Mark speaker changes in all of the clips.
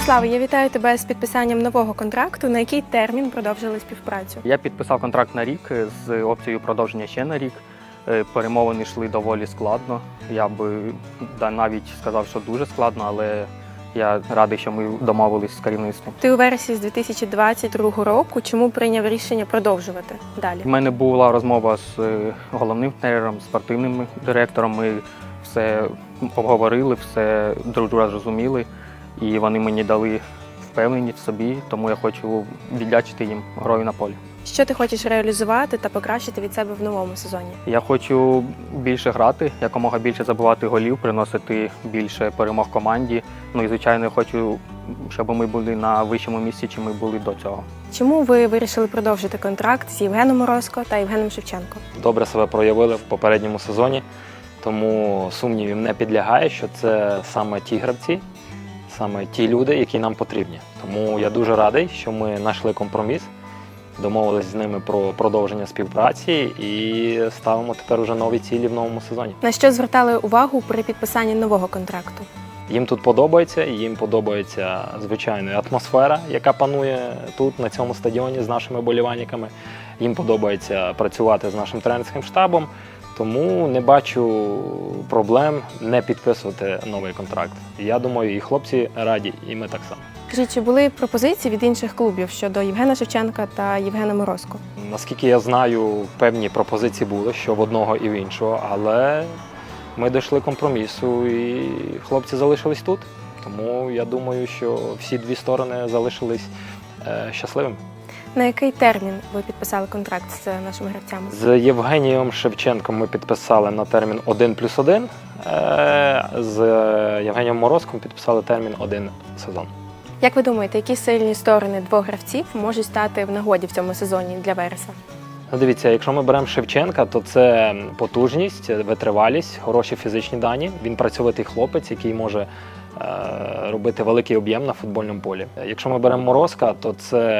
Speaker 1: Владиславе, я вітаю тебе з підписанням нового контракту. На який термін продовжили співпрацю?
Speaker 2: Я підписав контракт на рік з опцією продовження ще на рік. Перемовини йшли доволі складно. Я би навіть сказав, що дуже складно, але я радий, що ми домовились з керівництвом.
Speaker 1: Ти у вересні з 2022 року. Чому прийняв рішення продовжувати далі?
Speaker 2: У мене була розмова з головним тренером, спортивним директором. Ми все обговорили, все друг друга зрозуміли. І вони мені дали впевненість в собі, тому я хочу віддячити їм грою на полі.
Speaker 1: Що ти хочеш реалізувати та покращити від себе в новому сезоні?
Speaker 2: Я хочу більше грати, якомога більше забивати голів, приносити більше перемог команді. Ну і, звичайно, я хочу, щоб ми були на вищому місці, чим ми були до цього.
Speaker 1: Чому ви вирішили продовжити контракт з Євгеном Морозко та Євгеном Шевченко?
Speaker 3: Добре себе проявили в попередньому сезоні, тому сумнівів не підлягає, що це саме ті гравці, саме ті люди, які нам потрібні. Тому я дуже радий, що ми знайшли компроміс, домовились з ними про продовження співпраці і ставимо тепер уже нові цілі в новому сезоні.
Speaker 1: На що звертали увагу при підписанні нового контракту?
Speaker 3: Їм тут подобається, їм подобається, звичайно, атмосфера, яка панує тут, на цьому стадіоні, з нашими болівальниками. Їм подобається працювати з нашим тренерським штабом, тому не бачу проблем не підписувати новий контракт. Я думаю, і хлопці раді, і ми так само.
Speaker 1: Скажіть, чи були пропозиції від інших клубів щодо Євгена Шевченка та Євгена Морозко?
Speaker 3: Наскільки я знаю, певні пропозиції були, що в одного і в іншого, але ми дійшли компромісу і хлопці залишились тут. Тому я думаю, що всі дві сторони залишились щасливими.
Speaker 1: На який термін ви підписали контракт з нашими гравцями?
Speaker 3: З Євгенієм Шевченком ми підписали на термін 1+1, з Євгенієм Морозком підписали термін 1 сезон.
Speaker 1: Як ви думаєте, які сильні сторони двох гравців можуть стати в нагоді в цьому сезоні для Вереса?
Speaker 3: Ну, дивіться, якщо ми беремо Шевченка, то це потужність, витривалість, хороші фізичні дані. Він працьовитий хлопець, який може робити великий об'єм на футбольному полі. Якщо ми беремо Морозка, то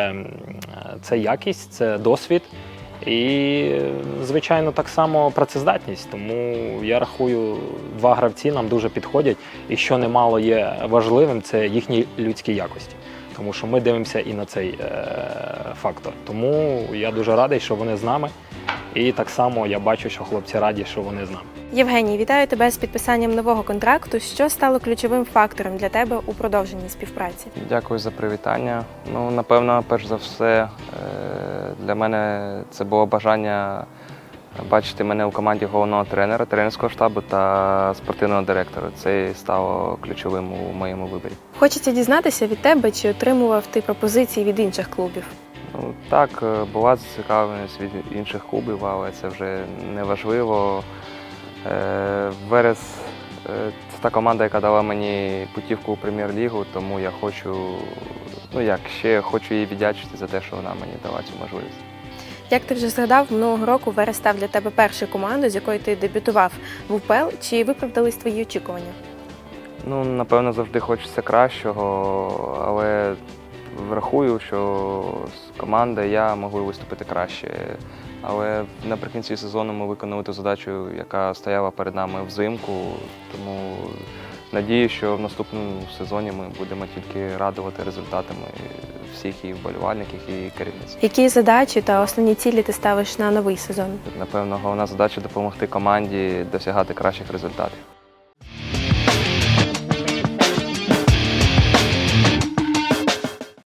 Speaker 3: це якість, це досвід і, звичайно, так само працездатність. Тому я рахую, два гравці нам дуже підходять. І що немало є важливим, це їхні людські якості. Тому що ми дивимося і на цей фактор. Тому я дуже радий, що вони з нами. І так само я бачу, що хлопці раді, що вони з нами.
Speaker 1: Євгеній, вітаю тебе з підписанням нового контракту. Що стало ключовим фактором для тебе у продовженні співпраці?
Speaker 4: Дякую за привітання. Ну, напевно, перш за все, для мене це було бажання бачити мене у команді головного тренера, тренерського штабу та спортивного директора. Це стало ключовим у моєму виборі.
Speaker 1: Хочеться дізнатися від тебе, чи отримував ти пропозиції від інших клубів?
Speaker 4: Ну, так, була зацікавленість від інших клубів, але це вже не важливо. Верес – це та команда, яка дала мені путівку у прем'єр-лігу, тому я хочу їй віддячити за те, що вона мені дала цю можливість.
Speaker 1: Як ти вже згадав, минулого року Верес став для тебе першою командою, з якою ти дебютував в УПЛ. Чи виправдались твої очікування?
Speaker 4: Ну, напевно, завжди хочеться кращого, але врахую, що команда і я могли виступити краще. Але наприкінці сезону ми виконали ту задачу, яка стояла перед нами взимку. Тому надію, що в наступному сезоні ми будемо тільки радувати результатами всіх і вболівальників, і керівництва.
Speaker 1: Які задачі та основні цілі ти ставиш на новий сезон?
Speaker 4: Напевно, головна задача – допомогти команді досягати кращих результатів.